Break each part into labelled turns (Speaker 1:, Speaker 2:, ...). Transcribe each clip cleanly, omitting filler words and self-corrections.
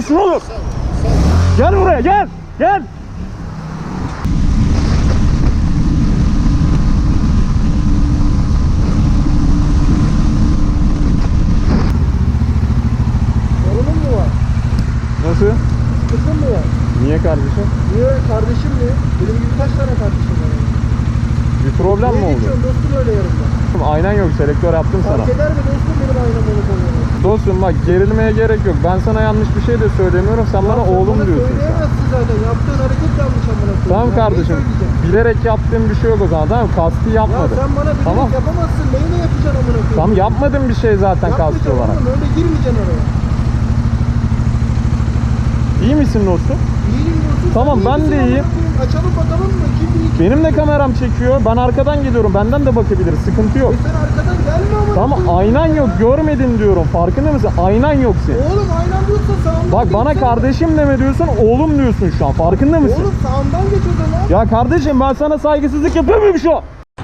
Speaker 1: yapıyorsun oğlum? Gel buraya, gel. Gel.
Speaker 2: Sorunun mu var?
Speaker 1: Nasıl?
Speaker 2: Sıkıntın mı var?
Speaker 1: Niye kardeşim?
Speaker 2: Niye kardeşim mi? Benim gibi kaç tane kardeşim var?
Speaker 1: Bir problem mi
Speaker 2: Niye
Speaker 1: oldu?
Speaker 2: geçiyorsun dostum öyle yanımda?
Speaker 1: Aynen yok, selektör yaptım sana.
Speaker 2: Fark eder mi dostum benim aynam olup olmalı?
Speaker 1: Dostum bak, gerilmeye gerek yok. Ben sana yanlış bir şey de söylemiyorum. Sen bana oğlum diyorsun.
Speaker 2: Söyleyemezsin zaten. Yaptığın hareket yanlış amına koyayım.
Speaker 1: Tamam
Speaker 2: Ya,
Speaker 1: kardeşim.
Speaker 2: neyi söyleyeceğim?
Speaker 1: Bilerek yaptığım bir şey yok o zaman. Tamam, kasti
Speaker 2: Ya
Speaker 1: yapmadım.
Speaker 2: sen bana bilerek
Speaker 1: Tamam.
Speaker 2: yapamazsın. Neyine yapacaksın amına koyayım?
Speaker 1: Tamam, yapmadım bir şey zaten kasti
Speaker 2: Yapmayacaksın
Speaker 1: olarak.
Speaker 2: oğlum, öyle girmeyeceksin oraya.
Speaker 1: İyi misin dostum?
Speaker 2: İyiyim dostum.
Speaker 1: Tamam,
Speaker 2: sen iyi
Speaker 1: ben
Speaker 2: misin
Speaker 1: de
Speaker 2: amına
Speaker 1: iyiyim.
Speaker 2: koyayım? Açalım bakalım mı? Kim bilir kim
Speaker 1: Benim de kameram çekiyor. Ben arkadan geliyorum. Benden de bakabiliriz. Sıkıntı yok.
Speaker 2: Sen arkadan gelme amına
Speaker 1: Tamam,
Speaker 2: koyayım.
Speaker 1: aynan yok. Görmedin diyorum. Farkında mısın? Aynan yok senin.
Speaker 2: Oğlum aynen yoksa sağımdan
Speaker 1: Bak, bana
Speaker 2: geçsene.
Speaker 1: kardeşim deme diyorsun. Oğlum diyorsun şu an. Farkında mısın?
Speaker 2: Oğlum sağımdan geç o zaman.
Speaker 1: Ya kardeşim, ben sana saygısızlık yapıyor muyum şu an?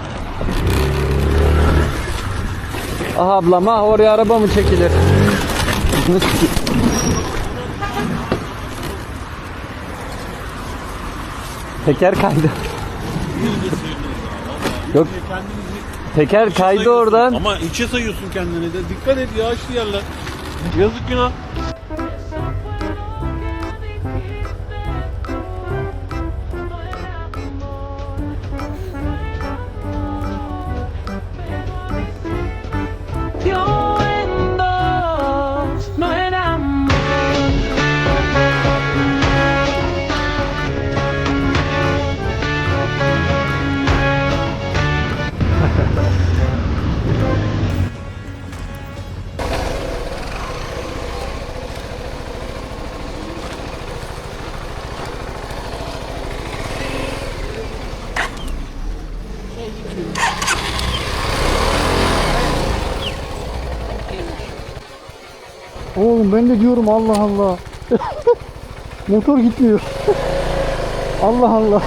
Speaker 1: Ah ablam, ah oraya araba mı çekilir? Teker kaydı. Yok. Teker kaydı oradan.
Speaker 3: Ama içe sayıyorsun kendini de. Dikkat et, yağışlı yerler. Yazık günah.
Speaker 2: Oğlum ben de diyorum Allah Allah. Motor gitmiyor. Allah Allah.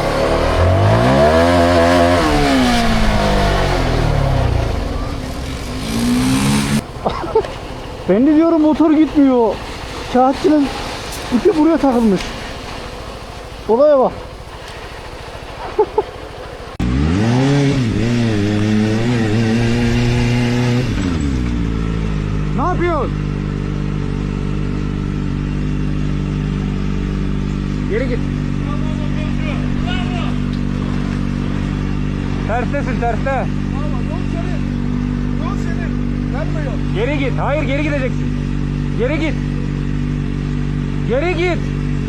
Speaker 2: Ben de diyorum motor gitmiyor. Kağıtçının ipi buraya takılmış. Olaya bak. Ne yapıyorsun? Geri git.
Speaker 1: Terstesin, terste.
Speaker 2: Yol senin. Yol senin. Verme yol.
Speaker 1: Geri git. Hayır, geri gideceksin. Geri git. Geri git.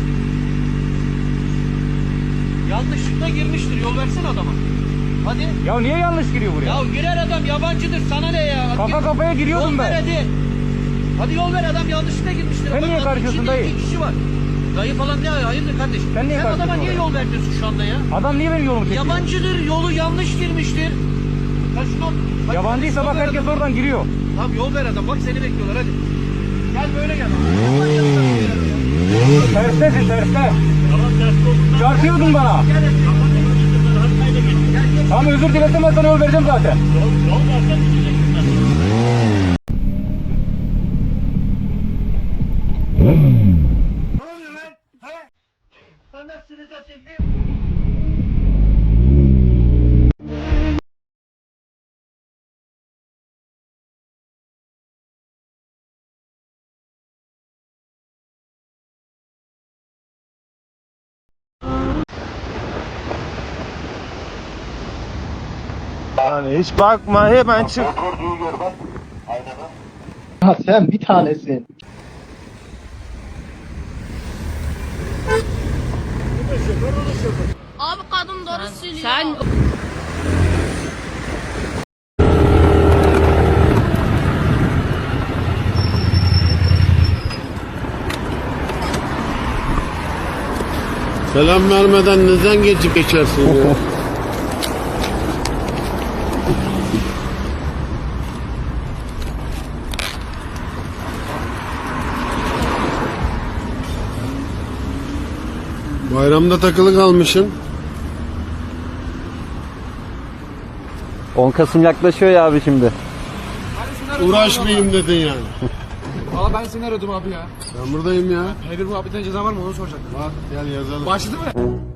Speaker 4: Yanlışlıkla girmiştir. Yol versene adama. Hadi.
Speaker 1: Ya niye yanlış giriyor buraya?
Speaker 4: Ya girer adam, yabancıdır. Sana ne ya?
Speaker 1: Kafa kafaya giriyordum
Speaker 4: yol
Speaker 1: ben.
Speaker 4: Ver hadi. Hadi yol ver, adam yanlışlıkla girmiştir.
Speaker 1: Sen
Speaker 4: Bak,
Speaker 1: niye
Speaker 4: adam
Speaker 1: karışıyorsun
Speaker 4: içinde
Speaker 1: dayı?
Speaker 4: 2 kişi var. Dayı falan ne? Hayırdır kardeşim?
Speaker 1: Sen niye
Speaker 4: adama
Speaker 1: karışıyorsun
Speaker 4: niye
Speaker 1: oraya?
Speaker 4: yol vermiyorsun şu anda ya?
Speaker 1: Adam niye benim yolumu çekiyor?
Speaker 4: Yabancıdır. Yolu yanlış girmiştir. Sen şunu... Bak,
Speaker 1: Yabancıysa
Speaker 4: yol
Speaker 1: bak,
Speaker 4: ver
Speaker 1: herkes
Speaker 4: adam.
Speaker 1: oradan giriyor.
Speaker 4: Tamam, yol ver adam. Bak seni bekliyorlar hadi. Gel böyle gel.
Speaker 1: Terstesin, terste. Çarpıyordun bana. Tamam, özür dilerim, ben sana yol vereceğim zaten.
Speaker 2: Yani hiç bakma hemen çık. Ha sen bir tanesin.
Speaker 5: Abi kadın doğru söylüyor. Sen
Speaker 3: Selam vermeden neden geçip geçersin ya? Bayramda takılı kalmışsın.
Speaker 1: 10 Kasım yaklaşıyor ya abi şimdi.
Speaker 3: Uğraşmayayım dedin yani.
Speaker 1: Valla ben seni aradım abi ya.
Speaker 3: Ben buradayım ya.
Speaker 1: Hayır muhabbeten ceza var mı onu soracaktım.
Speaker 3: Bak gel yazalım.
Speaker 1: Başladı mı?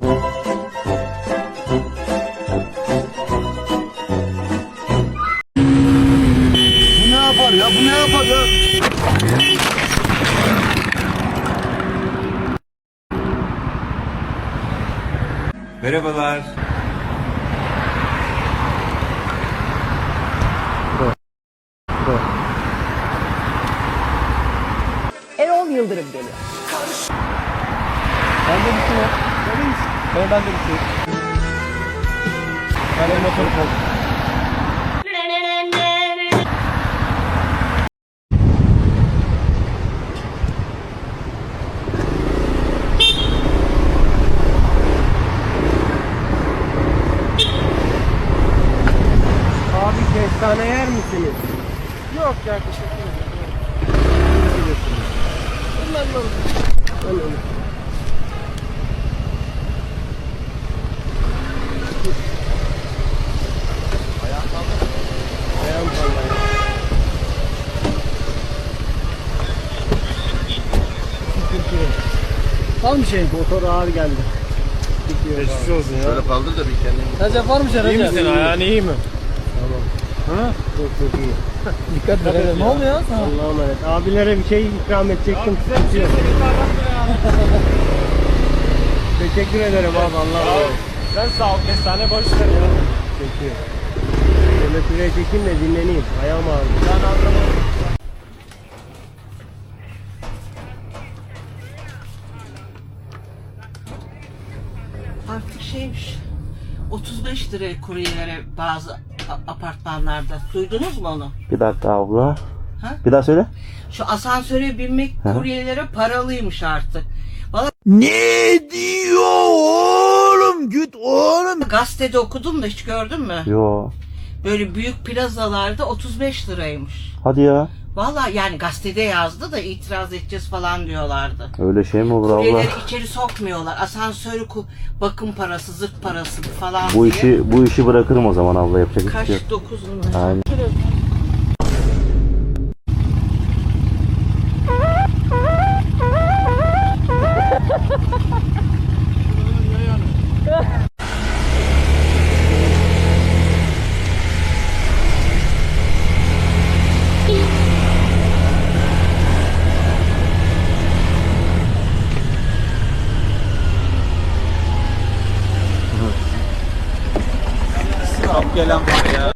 Speaker 3: Bu ne yapar ya? Bu ne yapar ya?
Speaker 6: Merhabalar.
Speaker 7: Erol Yıldırım geliyor.
Speaker 2: Bende bir şey yok. Bende bir şey yok. Ben motoru kaldım.
Speaker 1: Abi kestane yer misiniz? Yok ya teşekkür ederim.
Speaker 2: Var mı şey?
Speaker 1: Motor ağır geldi. Geçmiş olsun ya.
Speaker 3: Şöyle kaldır da bir kendini.
Speaker 2: Recep var mı şey Recep?
Speaker 1: İyi misin? Ayağın iyi mi? Tamam. Ha? Çok çok iyi.
Speaker 2: Dikkat et. Ne oldu ya sana?
Speaker 1: Allah'a emanet. Abilere bir şey ikram edecektim. Teşekkür ederim abi Allah'a emanet. Sen sağ ol. Kestane boş ver ya. Teşekkür. Şöyle şuraya çekeyim de dinleneyim. Ayağım ağrıyor. Ben anlamadım.
Speaker 7: Artık şeymiş. 35 liraya kuryelere bazı apartmanlarda. Duydunuz mu onu?
Speaker 8: Bir dakika abla.
Speaker 7: Ha?
Speaker 8: Bir daha söyle.
Speaker 7: Şu asansöre binmek kuryelere paralıymış artık.
Speaker 2: Ne diyor oğlum? Git oğlum.
Speaker 7: Gazetede okudum da hiç gördün mü?
Speaker 8: Yo.
Speaker 7: Böyle büyük plazalarda 35 liraymış.
Speaker 8: Hadi ya.
Speaker 7: Vallahi yani gazetede yazdı da itiraz edeceğiz falan diyorlardı.
Speaker 8: Öyle şey mi olur abla?
Speaker 7: Kuryeleri içeri sokmuyorlar. Asansörü bakım parası, zırt parası falan
Speaker 8: Bu
Speaker 7: diye.
Speaker 8: işi bırakırım o zaman abla, yapacak hiçbir
Speaker 7: Kaç?
Speaker 8: şey yok.
Speaker 7: 9 lira.
Speaker 8: Aynen.
Speaker 6: Çok gelen var ya.